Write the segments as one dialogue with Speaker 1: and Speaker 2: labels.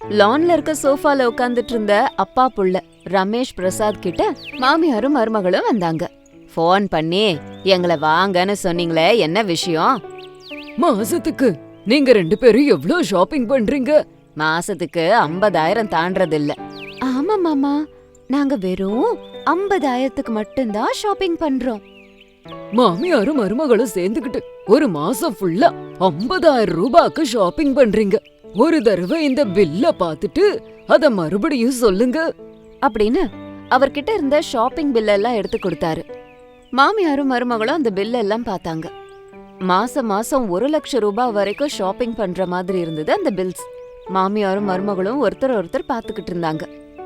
Speaker 1: லான்ல இருக்க சோஃபால உட்கார்ந்துட்டு இருந்த அப்பா புள்ள ரமேஷ் பிரசாத் கிட்ட மாமியாரும் மருமகளும் வந்தாங்க. ஃபோன் பண்ணி எங்களை வாங்கன்னு சொன்னீங்களே, என்ன விஷயம்?
Speaker 2: மாசத்துக்கு நீங்க 2 பேரும் எவ்வளவு ஷாப்பிங் பண்றீங்க?
Speaker 1: மாசத்துக்கு 50,000 தாண்டறது இல்ல. ஆமா மாமா, நாங்க வெறும் 50,000க்கு மட்டும்தான் ஷாப்பிங் பண்றோம்.
Speaker 2: மாமியாரும் மருமகளும் சேர்ந்துகிட்டு ஒரு மாசம் ஃபுல்லா 50,000 ரூபாய்க்கு ஷாப்பிங் பண்றீங்க. ஒரு தடவை இந்த பில்ல பாத்துட்டு அத மறுபடியும் சொல்லுங்க
Speaker 1: அப்படின்னு அவர்கிட்ட இருந்த ஷாப்பிங் பில் எல்லாம் எடுத்து கொடுத்தாரு. மாமியாரும் மருமகளும் அந்த பில் எல்லாம் பார்த்தாங்க. மாசம் மாசம் 1,00,000 ரூபாய் வரைக்கும் ஷாப்பிங் பண்ற மாதிரி இருந்தது அந்த பில்ஸ். மாமியாரும் மருமகளும் ஒருத்தர் பாத்துக்கிட்டு இருந்தாங்க.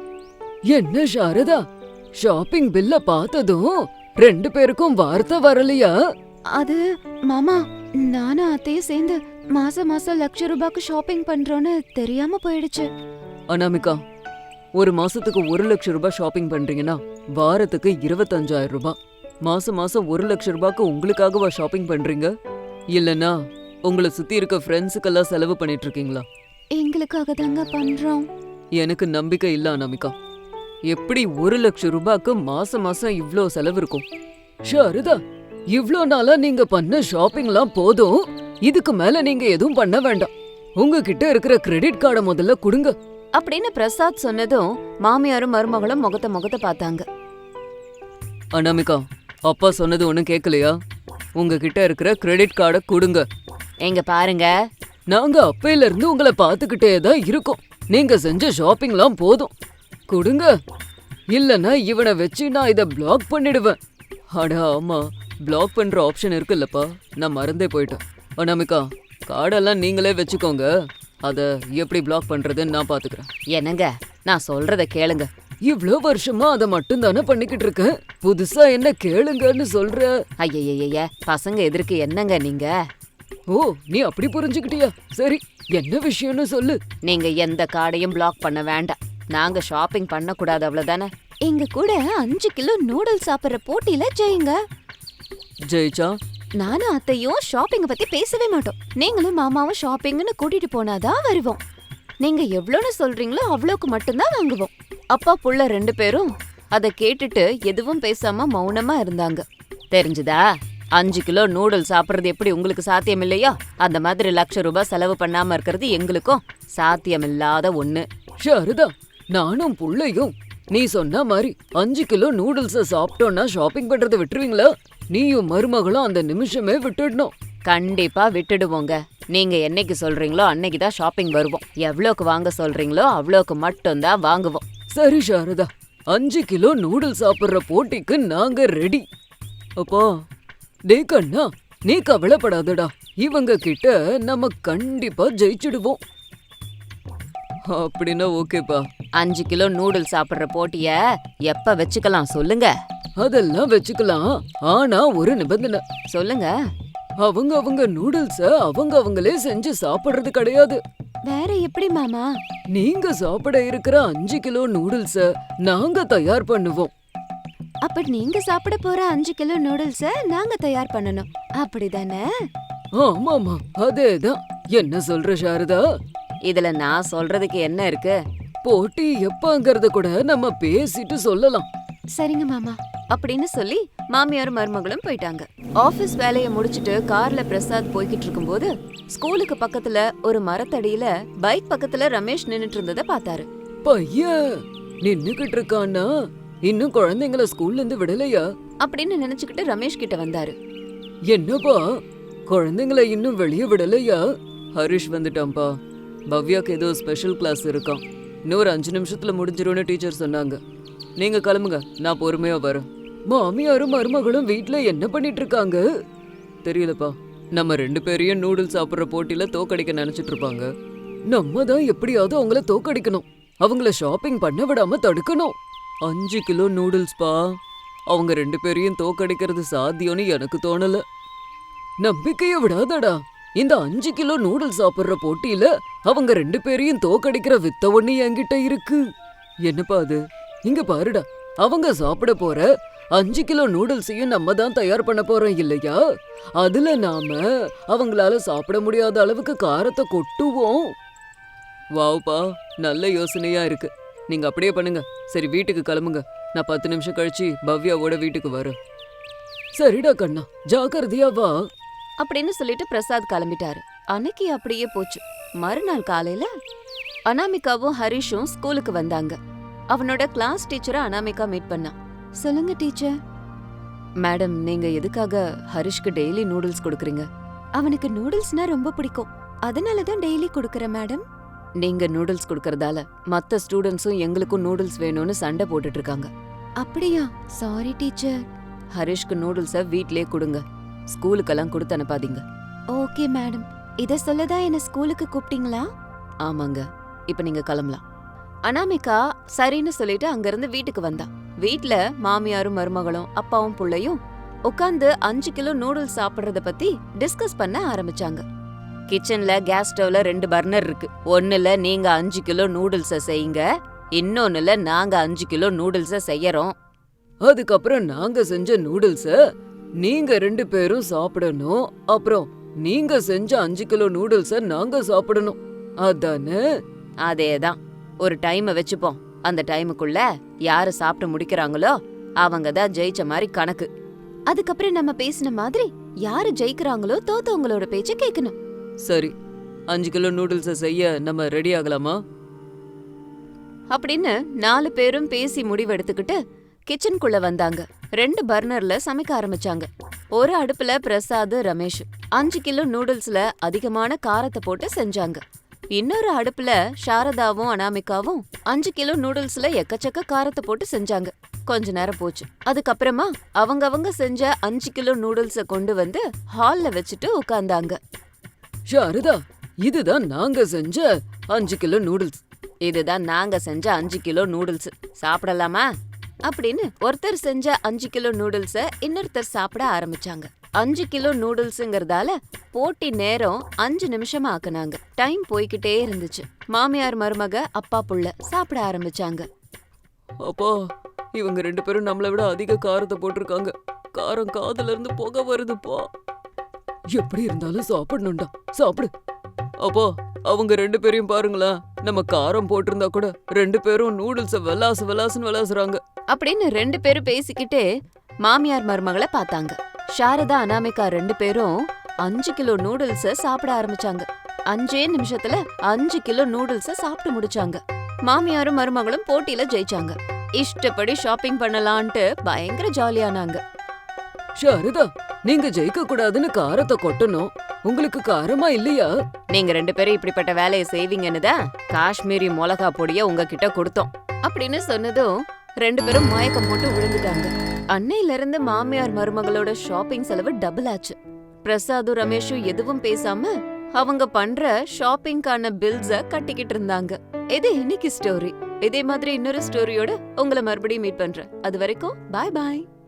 Speaker 2: என்ன சாரதா, ஷாப்பிங் பில்ல பார்த்ததும் 2 பேருக்கும் வார்த்தை வரலையா?
Speaker 1: அது மாமா, நானும் அத்தையும் சேர்ந்து மாசம் மாசம் 1,00,000 ரூபாய்க்கு ஷாப்பிங் பண்றோன்னு தெரியாம போயிடுச்சு.
Speaker 2: அனாமிகா, ஒரு மாசத்துக்கு 1,00,000 ரூபாய் ஷாப்பிங் பண்றீங்கன்னா வாரத்துக்கு 25,000 ரூபாய். மாசம் மாசம் 1,00,000 ரூபாய்க்கு உங்களுக்காகவா ஷாப்பிங் பண்றீங்க? இல்லனா உங்களை சுத்தி இருக்க ஃப்ரெண்ட்ஸுக்கெல்லாம் செலவு பண்ணிட்டு இருக்கீங்களா?
Speaker 1: எங்களுக்காக தாங்க பண்றோம்.
Speaker 2: எனக்கு நம்பிக்கை இல்ல அனாமிகா. எப்படி 1,00,000 ரூபாய்க்கு மாசம் மாசம் இவ்ளோ செலவு இருக்கும்? ஷாரதா, இவ்ளோ நாளா நீங்க பண்ண ஷாப்பிங்லாம் போதும். இதுக்கு மேல நீங்க எதுவும் பண்ண வேண்டாம். உங்ககிட்ட இருக்கிற கிரெடிட் கார்டை முதல்ல கொடுங்க
Speaker 1: அப்படின்னு பிரசாத் சொன்னதும் மாமியாரும் மருமகளும் முகத்தை பார்த்தாங்க.
Speaker 2: அனாமிகா, அப்பா சொன்னது ஒண்ணும் கேட்கலையா? உங்ககிட்ட இருக்கிற கிரெடிட் கார்டை கொடுங்க.
Speaker 1: எங்க பாருங்க,
Speaker 2: நாங்க அப்பையில இருந்து உங்களை பாத்துக்கிட்டே தான் இருக்கோம். நீங்க செஞ்ச ஷாப்பிங்லாம் போதும், கொடுங்க. இல்லனா இவனை வச்சு நான் இத பிளாக் பண்ணிடுவேன். அட ஆமா, பிளாக் பண்ற ஆப்ஷன் இருக்குல்லப்பா, நான் மறந்தே போயிட்டேன். அனாமிகா, கார்டெல்லாம் நீங்களே வச்சுக்கோங்க. அத எப்படி பிளாக் பண்றதுன்னு நான் பாத்துக்கிறேன்.
Speaker 1: என்னங்க, நான் சொல்றத கேளுங்க.
Speaker 2: இவ்ளோ வருஷமா அதை மட்டும் தானே பண்ணிக்கிட்டு இருக்கேன். புதுசா என்ன கேளுங்கன்னு சொல்ற?
Speaker 1: ஐயய்ய, பசங்க எதிர்க்கு என்னங்க நீங்க?
Speaker 2: ஓ, நீ அப்படி புரிஞ்சுக்கிட்டியா? சரி, என்ன விஷயம்னு சொல்லு.
Speaker 1: நீங்க எந்த கார்டையும் பிளாக் பண்ண வேண்டாம். நாங்க ஷாப்பிங் பண்ண கூடாது, அவ்வளவுதானே? எங்க கூட 5 கிலோ நூடுல்ஸ் சாப்பிடுற போட்டியில ஜெயிங்க.
Speaker 2: ஜெயிச்சா
Speaker 1: நானும் அத்தையும் ஷாப்பிங்க பத்தி பேசவே மாட்டோம். நீங்களும் மாமாவும் ஷாப்பிங்னு கூட்டிட்டு போனாதான் வருவோம். நீங்க எவ்வளோன்னு சொல்றீங்களோ அவ்வளோக்கு மட்டும்தான் வாங்குவோம். அப்பா புள்ள 2 பேரும் அதை கேட்டுட்டு எதுவும் பேசாம மௌனமா இருந்தாங்க. தெரிஞ்சுதா? 5 கிலோ நூடுல்ஸ் சாப்பிடுறது எப்படி உங்களுக்கு சாத்தியம் இல்லையோ, அந்த மாதிரி 1,00,000 ரூபாய் செலவு பண்ணாம இருக்கிறது எங்களுக்கும் சாத்தியமில்லாத ஒண்ணு.
Speaker 2: ஷாரதா, நானும் புள்ளையும் நீ சொன்ன மாதிரி 5 கிலோ நூடுல்ஸ சாப்பிட்டோன்னா ஷாப்பிங் பண்றதை விட்டுருவீங்களா? நீயும் மருமகளும் அந்த நிமிஷமே விட்டுடணும்.
Speaker 1: கண்டிப்பா விட்டுடுவோங்க. நீங்க என்னைக்கு சொல்றீங்களோ அன்னைக்கு தான் ஷாப்பிங் வருவோம். எவ்வளோக்கு வாங்க சொல்றீங்களோ அவ்வளோக்கு மட்டும்தான் வாங்குவோம்.
Speaker 2: சரி ஷாரதா, 5 கிலோ நூடுல்ஸ் சாப்பிடுற போட்டிக்கு நாங்க ரெடி. அப்பா, டே கண்ணா, நீ கவலைப்படாதடா. இவங்க கிட்ட நம்ம கண்டிப்பா ஜெயிச்சிடுவோம். அப்படின்னா ஓகேப்பா.
Speaker 1: 5 கிலோ நூடுல்ஸ் சாப்பிடுற போட்டிய எப்ப வச்சுக்கலாம் சொல்லுங்க?
Speaker 2: அதெல்லாம் வச்சுக்கலாம், ஆனா ஒரு நிபந்தனை.
Speaker 1: சொல்லுங்க.
Speaker 2: அவங்க நூடுல்ஸ அவங்களே செஞ்சு சாப்பிடுறது கிடையாது.
Speaker 1: வேற எப்படி மாமா?
Speaker 2: நீங்க சாப்பிட இருக்கிற 5 கிலோ நூடுல்ஸ நாங்க தயார் பண்ணுவோம்.
Speaker 1: அப்ப நீங்க சாப்பிட போற 5 கிலோ நூடுல்ஸ நாங்க தயார் பண்ணணும், அப்படிதானே?
Speaker 2: ஆமாமா, அதேதான். என்ன சொல்ற சாரதா?
Speaker 1: இதுல நான் சொல்றதுக்கு என்ன இருக்கு?
Speaker 2: போட்டி எப்பங்கறத கூட நம்ம பேசிட்டு சொல்லலாம்.
Speaker 1: சரிங்க மாமா அப்படின்னு சொல்லி மாமியாரும் மருமகளும் போயிட்டாங்க. ஆபீஸ் வேலைய முடிச்சிட்டு கார்ல பிரசாத் போய்கிட்டு இருக்கும்போது ஸ்கூலுக்கு பக்கத்துல ஒரு மரத்தடியில பைக் பக்கத்துல ரமேஷ் நின்னுட்டு இருந்ததை பார்த்தாரு.
Speaker 2: பையன் நின்னுகிட்டு இருக்கானா? இன்னும் குழந்தைங்கள ஸ்கூல்ல இருந்து விடலையா
Speaker 1: அப்படின்னு நினைச்சுக்கிட்டு ரமேஷ் கிட்ட வந்தாரு.
Speaker 2: என்னப்பா, குழந்தைங்கள இன்னும் வெளியே விடலையா? ஹரிஷ் வந்துட்டான்பா. பவ்யாக்கு ஏதோ ஸ்பெஷல் கிளாஸ் இருக்கான். இன்னொரு 5 நிமிஷத்துல முடிஞ்சிரும்னு டீச்சர் சொன்னாங்க. நீங்க கிளம்புங்க, நான் பொறுமையா வரேன். மாமியாரும் மருமகளும் வீட்ல என்ன பண்ணிட்டு இருக்காங்க தெரியலப்பா. நம்ம 2 பேரையும் நூடுல்ஸ் சாப்பிடுற போட்டியில தோக்கடிக்க நினைச்சிட்டு இருப்பாங்க. நம்ம தான் எப்படியாவது அவங்கள தோக்கடிக்கணும். அவங்கள ஷாப்பிங் பண்ண விடாம தடுக்கணும். 5 கிலோ நூடுல்ஸ்பா. அவங்க 2 பேரையும் தோக்கடிக்கிறது சாத்தியம்னு எனக்கு தோணல. நம்பிக்கைய விடாதடா. இந்த 5 கிலோ நூடுல்ஸ் சாப்பிடுற போட்டியில அவங்க 2 பேரையும் தோக்கடிக்கிற வித்த ஒண்ணு என்கிட்ட இருக்கு. என்னப்பா அது? இங்க பாருடா, அவங்க சாப்பிட போற 5 கிலோ நூடுல்ஸையும் நம்ம தான் தயார் பண்ண போறோம் இல்லையா? அதுல நாம அவங்களால சாப்பிட முடியாத அளவுக்கு காரத்தை கொட்டுவோம். வாவ்ப்பா, நல்ல யோசனையா இருக்கு. நீங்க அப்படியே பண்ணுங்க. சரி, வீட்டுக்கு கிளம்புங்க. நான் 10 நிமிஷம் கழிச்சு பவ்யாவோட வீட்டுக்கு வரேன். சரிடா கண்ணா, ஜாக்கிரதையா வா.
Speaker 1: அப்படின்னு சொல்லிட்டு பிரசாத் கிளம்பிட்டாரு. அன்னைக்கு அப்படியே போச்சு. மறுநாள் காலையில அனாமிகாவும் ஹரிஷும் ஸ்கூலுக்கு வந்தாங்க. அவனோட கிளாஸ் டீச்சரை அனாமிகா மீட் பண்ணா. சொல்லுங்க டீச்சர். மேடம், நீங்க எதுக்காக ஹரிஷ்க்கு டெய்லி நூடுல்ஸ் கொடுக்குறீங்க? அவனுக்கு நூடுல்ஸ்னா ரொம்ப பிடிக்கும், அதனால தான் டெய்லி கொடுக்கறேன் மேடம். நீங்க நூடுல்ஸ் கொடுக்கறதால மத்த ஸ்டூடெண்ட்ஸும் எங்களுக்கும் நூடுல்ஸ் வேணும்னு சண்டை போட்டுட்டு இருக்காங்க. அப்படியா? Sorry teacher. ஹரிஷ்க்கு நூடுல்ஸ வீட்லயே கொடுங்க, ஸ்கூலுக்கெல்லாம் கொடுத்து அனுப்பாதீங்க. Okay madam. இத சொல்லதான் என்ன ஸ்கூலுக்கு கூப்பிட்டீங்களா? ஆமாங்க. இப்ப நீங்க கிளம்பலாம். அனாமிகா சரின்னு சொல்லிட்டு அங்கிருந்து வீட்டுக்கு வந்தா. வீட்ல மாமியாரும் மருமகளும் அப்பாவும் புள்ளையும் உட்கார்ந்து 5 கிலோ நூடுல்ஸ் சாப்பிடுறத பத்தி டிஸ்கஸ் பண்ண ஆரம்பிச்சாங்க. கிச்சன்ல கேஸ் ஸ்டவ்ல 2 பர்னர் இருக்கு. ஒண்ணுல நீங்க 5 கிலோ நூடுல்ஸ செய்யுங்க, இன்னொன்னுல நாங்க 5 கிலோ நூடுல்ஸ செய்யறோம்.
Speaker 2: அதுக்கப்புறம் நாங்க செஞ்ச நூடுல்ஸ நீங்க 2 பேரும் சாப்பிடணும். அப்புறம் நீங்க செஞ்ச 5 கிலோ நூடுல்ஸ நாங்க சாப்பிடணும். அதானே?
Speaker 1: அதேதான். ஒரு டைம் வச்சுப்போம். அந்த டைமுக்குள்ள யாரு சாப்பிட்டு முடிக்கிறாங்களோ அவங்க தான் ஜெயிச்ச மாதிரி கணக்கு. அதுக்கப்புறம் நம்ம பேசின மாதிரி யாரு ஜெயிக்கிறாங்களோ தோத்தவங்களோட பேச்ச கேட்கணும்.
Speaker 2: சரி, 5 கிலோ நூடுல்ஸ செய்ய நம்ம ரெடி ஆகலாமா?
Speaker 1: அப்படின்னு 4 பேரும் பேசி முடிவெடுத்துக்கிட்டு கிச்சனுக்குள்ள வந்தாங்க. 2 பர்னர்ல சமைக்க ஆரம்பிச்சாங்க. ஒரு அடுப்புல பிரசாத், ரமேஷ் 5 கிலோ நூடுல்ஸ்ல அதிகமான காரத்தை போட்டு செஞ்சாங்க. இன்னொரு அடுப்புல சாரதாவும் அனாமிகாவும் 5 கிலோ நூடுல்ஸ்ல எக்கச்சக்க காரத்தை போட்டு செஞ்சாங்க. கொஞ்ச நேரம் போச்சு. அதுக்கப்புறமா அவங்க செஞ்ச 5 கிலோ நூடுல்ஸ கொண்டு வந்து ஹால்ல வச்சுட்டு உட்கார்ந்தாங்க.
Speaker 2: சாரதா, இதுதான் நாங்க செஞ்ச 5 கிலோ நூடுல்ஸ்.
Speaker 1: இதுதான் நாங்க செஞ்ச 5 கிலோ நூடுல்ஸ். சாப்பிடலாமா? அப்படின்னு ஒருத்தர் செஞ்ச 5 கிலோ நூடுல்ஸ இன்னொருத்தர் சாப்பிட ஆரம்பிச்சாங்க. 5 கிலோ நூடுல்ஸ்ங்கறதால போட்டி நேரம் 5 நிமிஷமா ஆக்குனாங்க. டைம் போய்கிட்டே இருந்துச்சு. மாமியார் மருமக அப்பா புள்ள சாப்பிட ஆரம்பிச்சாங்க.
Speaker 2: அப்பா, இவங்க 2 பேரும் நம்மளை விட அதிக காரத்தை போட்டிருக்காங்க. காரம் காதுல இருந்து புகை வருதுப்பா. எப்படி இருந்தாலும் சாப்பிடணும்டா, சாப்பிடு. அப்பா, அவங்க 2 பேரையும் பாருங்களேன். நம்ம காரம் போட்டிருந்தா கூட 2 பேரும் நூடுல்ஸ விளாசுன்னு விளாசுறாங்க.
Speaker 1: அப்படின்னு 2 பேரும் பேசிக்கிட்டே மாமியார் மருமகளை பார்த்தாங்க. சாரதா, அனாமிகா 2 பேரும் 5 கிலோ நூடுல்ஸ சாப்பிட ஆரம்பிச்சாங்க. 5 நிமிஷத்துல 5 கிலோ நூடுல்ஸ சாப்பிட்டு முடிச்சாங்க. மாமியாரும் மருமகளும் போட்டியில ஜெயிச்சாங்க. இஷ்டப்படி ஷாப்பிங் பண்ணலான்ட்டு பயங்கர ஜாலியானாங்க.
Speaker 2: சாரதா, நீங்க ஜெயிக்க கூடாதுன்னு காரத்தை கொட்டணும். உங்களுக்கு காரமா இல்லையா?
Speaker 1: நீங்க 2 பேரும் இப்படிப்பட்ட வேலையை செய்வீங்கன்னு தான் காஷ்மீரி மிளகா பொடிய உங்ககிட்ட கொடுத்தோம் அப்படின்னு சொன்னதும் 2 பேரும் மயக்கம் போட்டு விழுந்துட்டாங்க. அன்னையில இருந்து மாமியார் மருமகளோட ஷாப்பிங் செலவு டபுள் ஆச்சு. பிரசாதும் ரமேஷும் எதுவும் பேசாம அவங்க பண்ற ஷாப்பிங்கான பில்ஸ கட்டிக்கிட்டு இருந்தாங்க. இது இன்னைக்கு ஸ்டோரி. இதே மாதிரி இன்னொரு ஸ்டோரியோட உங்களை மறுபடியும் மீட் பண்றேன். அது வரைக்கும் பாய் பாய்.